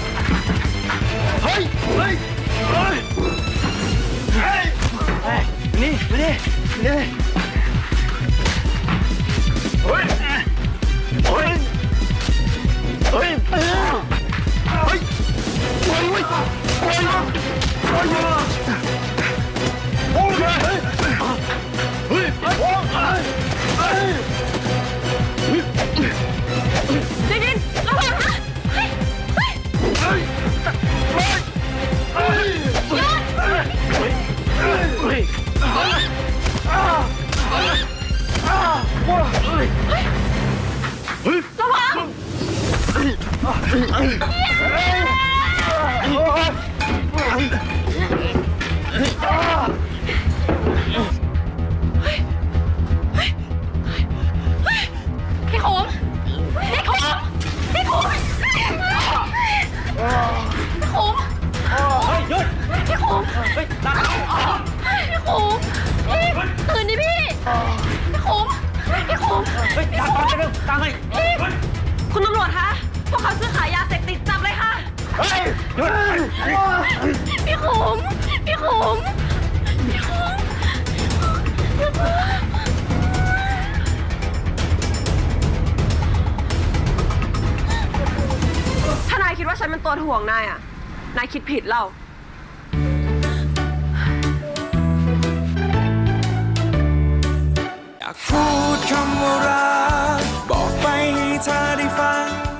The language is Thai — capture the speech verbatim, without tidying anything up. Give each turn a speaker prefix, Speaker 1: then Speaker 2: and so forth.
Speaker 1: เฮ้ย เฮ้ย เฮ้ย เฮ้ย
Speaker 2: เฮ้ยนี่มาดินี่
Speaker 1: เฮ้ย เฮ้ย เฮ้ย เฮ้ย เฮ้ย เฮ้ย เฮ้ย เฮ้ย โอ้ยเฮ้ย เฮ้ย เฮ้ย
Speaker 3: ดิดินระวังนะเฮ้ยเฮ้ย
Speaker 1: เฮ้ย เฮ้ย เฮ้ย
Speaker 3: หยุด
Speaker 1: เฮ้ย เฮ้ย อ้าอ้าว้าเฮ้ย เฮ้ย
Speaker 3: ระวัง พี่ขมพี่ขมพี่ขมพี่ขม
Speaker 4: เฮ้ยหยุด
Speaker 3: พี่ขม
Speaker 4: เฮ้ยตาม
Speaker 3: พี่ขมพี่ตื่นดิพี่พี่ขมพี่ขม
Speaker 4: เฮ้ยตามตามไปเร็วตามไป
Speaker 3: พี่คุณตำรวจคะพวกเขาซื้อขายยาเสพติดจับเลยค่ะ
Speaker 1: เฮ้ย หยุด
Speaker 3: พี่ขมพี่ขมพี่ขม
Speaker 5: ถ้านายคิดว่าฉันเป็นตัวถ่วงนายอ่ะ นายคิดผิดเรา
Speaker 6: อยากพูดคำว่ารักบอกไปให้เธอได้ฟัง